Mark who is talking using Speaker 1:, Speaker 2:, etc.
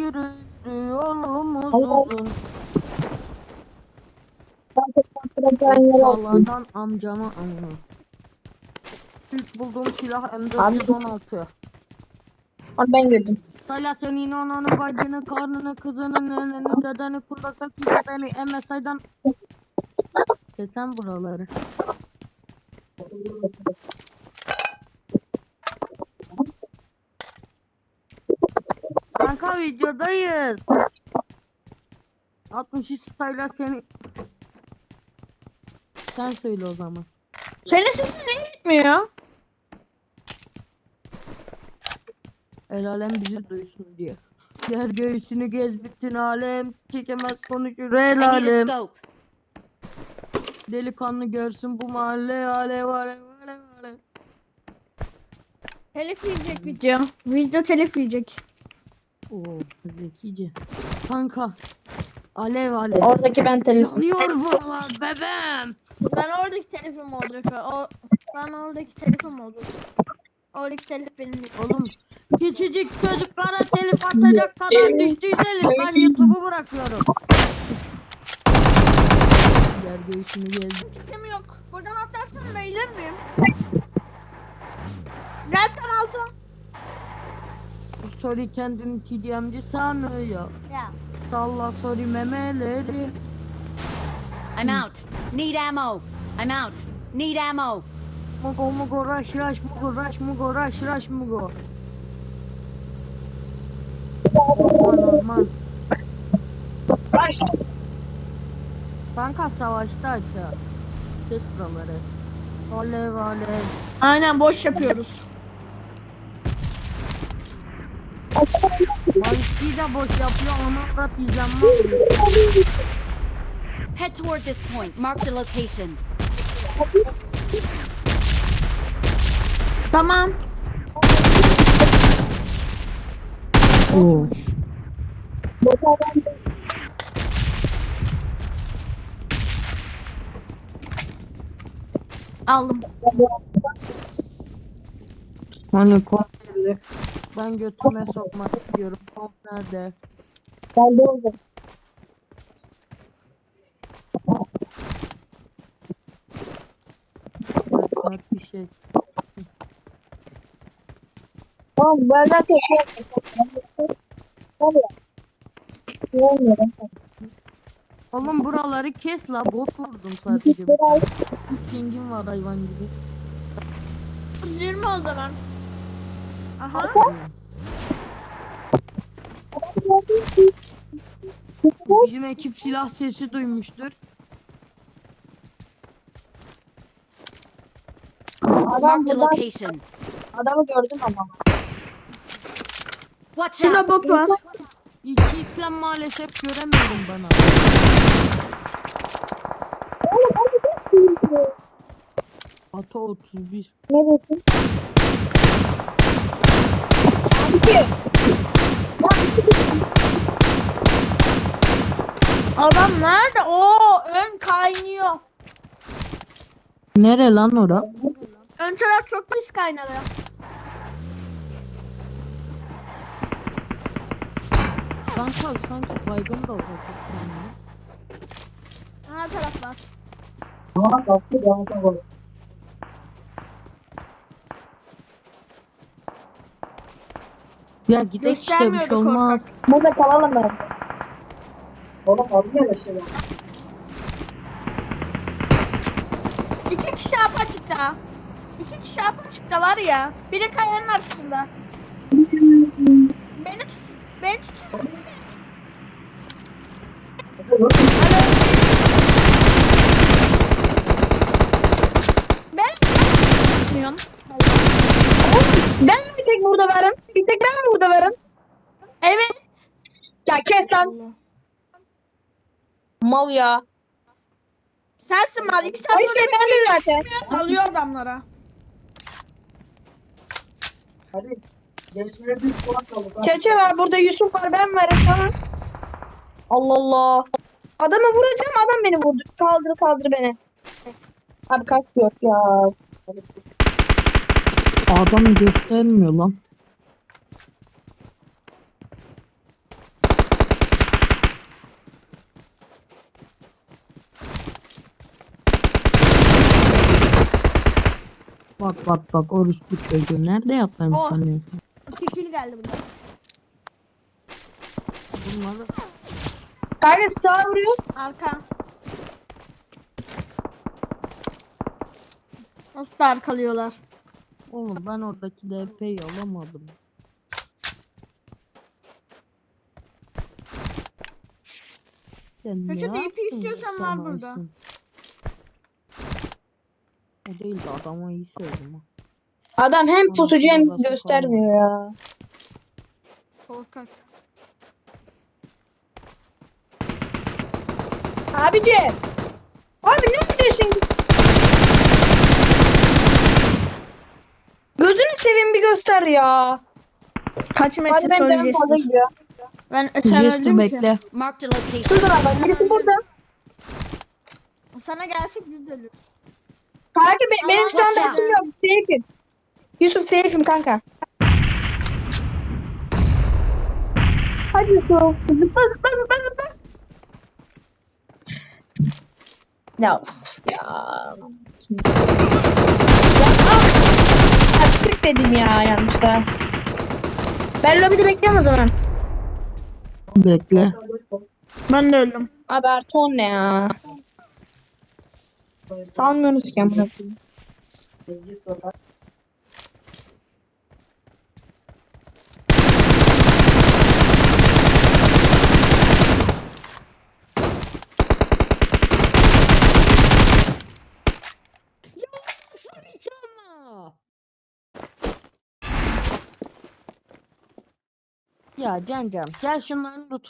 Speaker 1: yürü yürü yolumuz uzun. Dağlardan amcama anı. İlk bulduğum silah M416.
Speaker 2: Abi ben girdim.
Speaker 1: Sayla senin ananı, bacını, karnını, kızını, neneni, dedeni, kundakta kimse beni MSI'dan kesen buraları. Kanka videodayız. 63 Sayla seni. Sen söyle o zaman.
Speaker 2: Senin sesin ne gitmiyor?
Speaker 1: El alem bizi duysun diye. Yer göğsünü gez bütün alem. Çekemez konuşur el
Speaker 3: I need a
Speaker 1: alem.
Speaker 3: scope.
Speaker 1: Delikanlı görsün bu mahalle alev alev alev alev.
Speaker 2: Telif yiyecek video. Video telif yiyecek.
Speaker 1: Oo zekice. Kanka. Alev alev.
Speaker 2: Oradaki ben telif.
Speaker 1: Yanıyor buralar bebeğim.
Speaker 2: Ben oradaki telifim olacak. Ben oradaki telifim olacak. Oradaki telif benim değil.
Speaker 1: Oğlum küçücük çocuklara telif atacak kadar düştüyseniz ben YouTube'u bırakıyorum. Yer göğsünü gez.
Speaker 2: Kitim yok. Buradan atlarsam bayılır mıyım? Gel sen altın.
Speaker 1: Sorry kendini TDM'ci sanıyor.
Speaker 2: Ya.
Speaker 1: Salla sorry memeleri.
Speaker 3: I'm out. Need ammo. I'm out. Need ammo.
Speaker 1: Mugo mugo rush rush mugo rush mugo rush rush mugo. Normal. Kanka savaşta açar. Kes buraları. Alev alev.
Speaker 2: Aynen boş yapıyoruz.
Speaker 1: Malisti de boş yapıyor ama Murat izlenme alıyor.
Speaker 3: Head toward this point. Marked a location.
Speaker 2: Tamam.
Speaker 1: Oo.
Speaker 2: Aldım.
Speaker 1: Hani konserli. Ben götüme sokmak istiyorum. Kont nerede?
Speaker 2: Ben de oldum.
Speaker 1: Bak bir şey.
Speaker 2: Tamam ben de teşekkür ederim.
Speaker 1: Oğlum buraları kes la, bot vurdum sadece. Pingim var hayvan gibi.
Speaker 2: 120 o zaman. Aha.
Speaker 1: Bizim ekip silah sesi duymuştur.
Speaker 3: Marked a location.
Speaker 2: Adamı gördüm ama.
Speaker 3: Watch
Speaker 2: Şurada
Speaker 3: out.
Speaker 2: bot var.
Speaker 1: İki İslam maalesef göremiyorum bana. Ata 31.
Speaker 2: Neredesin? Adam nerede? Oo, ön kaynıyor.
Speaker 1: Nere lan ora?
Speaker 2: Ön taraf çok pis kaynadı.
Speaker 1: Kanka sanki baygın da olacak.
Speaker 2: Ana taraf var.
Speaker 1: Ya gidek işte bir şey
Speaker 2: Göstermiyorduk
Speaker 1: olmaz.
Speaker 2: ortak.
Speaker 4: Burada kalalım ben. Oğlum fazla yaşıyor.
Speaker 2: İki kişi apaçıkta. İki kişi apaçıkta var ya. Biri kayanın arkasında. Beni tut. Beni tut. Ben tutmuyorum.
Speaker 4: Ben mi bir tek burada varım? Bir tek ben mi burada varım?
Speaker 2: Evet.
Speaker 4: Ya kes lan. Mal ya.
Speaker 2: Sensin mal. İki saat
Speaker 4: Ay işte ben de zaten.
Speaker 2: alıyor adamlara.
Speaker 4: Hadi. Gençlere bir puan kaldı. Çeçe var burada, Yusuf var, ben varım, tamam. Allah Allah. Adamı vuracağım, adam beni vurdu. Kaldır beni. Abi kaç yok ya.
Speaker 1: Adam göstermiyor lan. Bak orospu çocuğu nerede yaptığını
Speaker 2: Oh.
Speaker 1: sanıyorsun?
Speaker 2: 2 kill geldi burada.
Speaker 1: Bunları
Speaker 4: Kanka sağa vuruyor.
Speaker 2: Arka. Nasıl da arkalıyorlar?
Speaker 1: oğlum ben oradaki DP'yi alamadım. Sen
Speaker 2: Kötü
Speaker 1: ne
Speaker 2: DP
Speaker 1: yaptın
Speaker 2: istiyorsan var
Speaker 1: sana
Speaker 2: burada.
Speaker 1: Aysun? O değil de adama iyi söyledim ha.
Speaker 4: Adam hem
Speaker 1: Bana
Speaker 4: pusucu hem
Speaker 1: şurada
Speaker 4: göstermiyor ya.
Speaker 2: Korkak.
Speaker 4: Abici. Abi ne yapıyorsun? Gözünü seveyim bir göster ya.
Speaker 2: Kaç metre
Speaker 4: Hadi ben canım fazla
Speaker 2: söyleyeceksin?
Speaker 4: gidiyor.
Speaker 2: Sen
Speaker 1: Justin
Speaker 2: öldün ki.
Speaker 1: bekle.
Speaker 3: Marked a location.
Speaker 4: Şurada bak birisi burada.
Speaker 2: Sana gelsek biz de ölürüz.
Speaker 4: Kanka benim şu anda
Speaker 3: Watch out.
Speaker 4: hakkım yok. Safe'im. Yusuf safe'im kanka. Hadi Yusuf. Zıpla. Ya of ya. Açtık dedim ya yanlışlıkla. Ben lobide bekliyorum o zaman.
Speaker 1: Bekle.
Speaker 2: Ben de öldüm.
Speaker 4: Abi Ertuğrul ne ya? Sanmıyorsunuz ki amına koyayım.
Speaker 1: Ya Can gel şunların lootunu